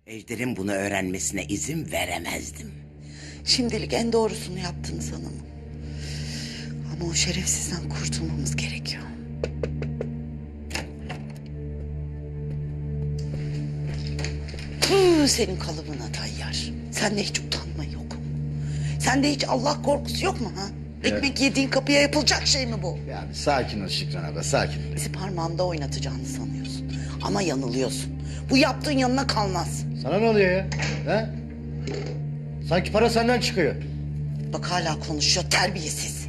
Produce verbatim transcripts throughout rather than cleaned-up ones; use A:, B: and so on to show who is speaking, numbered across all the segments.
A: Ejder'in bunu öğrenmesine izin veremezdim.
B: Şimdilik en doğrusunu yaptınız hanımım. Ama o şerefsizden kurtulmamız gerekiyor. Hıh, senin kalıbına Tayyar. Sende hiç utanma yok mu? Sende hiç Allah korkusu yok mu ha? Ekmek yediğin kapıya yapılacak şey mi bu?
C: Ya bir sakin ol Şükran abla, sakin.
B: Bizi parmağında oynatacağını sanıyorsun. Ama yanılıyorsun. Bu yaptığın yanına kalmaz.
C: Sana ne oluyor ya? He? Sanki para senden çıkıyor.
B: Bak hala konuşuyor terbiyesiz.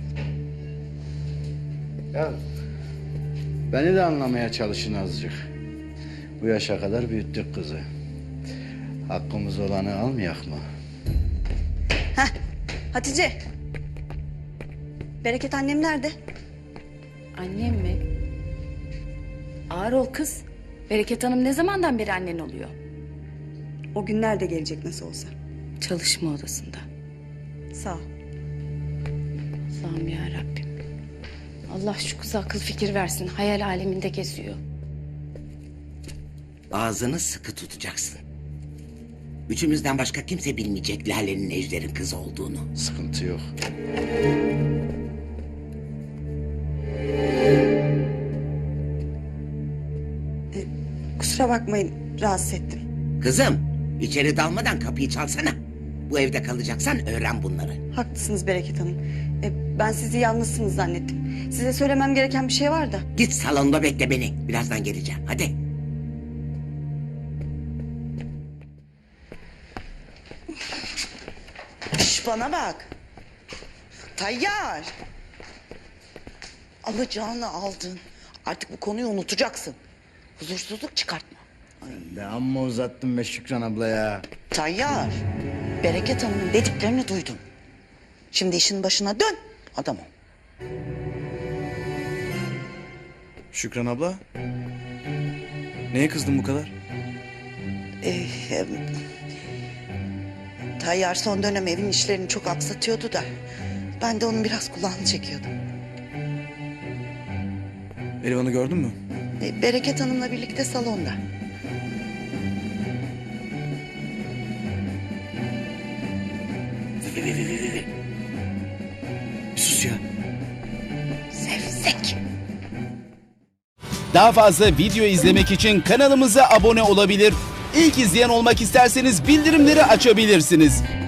C: Ya beni de anlamaya çalışın azıcık. Bu yaşa kadar büyüttük kızı. Hakkımız olanı almayak mı?
D: Heh, Hatice. Bereket annem nerede?
E: Annem mi? Ağır ol kız. Bereket Hanım ne zamandan beri annen oluyor?
D: O günler de gelecek nasıl olsa.
E: Çalışma odasında.
D: Sağ ol.
E: Allah'ım ya Rabbim. Allah şu kıza akıl fikir versin. Hayal aleminde geziyor.
A: Ağzını sıkı tutacaksın. Üçümüzden başka kimse bilmeyecek Lale'nin Ejder'in kızı olduğunu.
C: Sıkıntı yok.
D: Kusura bakmayın rahatsız ettim.
A: Kızım, içeri dalmadan kapıyı çalsana. Bu evde kalacaksan öğren bunları.
D: Haklısınız Bereket Hanım. E, ben sizi yalnızsınız zannettim. Size söylemem gereken bir şey var da.
A: Git salonda bekle beni. Birazdan geleceğim. Hadi.
B: Şş, bana bak. Tayyar. Alacağını aldın. Artık bu konuyu unutacaksın. Huzursuzluk çıkartma.
C: De amma uzattın be Şükran abla ya.
B: Tayyar. Bereket Hanım'ın dediklerini duydun. Şimdi işin başına dön. Adam ol.
F: Şükran abla. Neye kızdın bu kadar?
B: Ee, em, Tayyar son dönem evin işlerini çok aksatıyordu da. Ben de onun biraz kulağını çekiyordum.
F: Elvan'ı gördün mü?
B: Ee, Bereket Hanım'la birlikte salonda.
F: Bir sus ya.
B: Sevsek.
G: Daha fazla video izlemek için kanalımıza abone olabilir. İlk izleyen olmak isterseniz bildirimleri açabilirsiniz.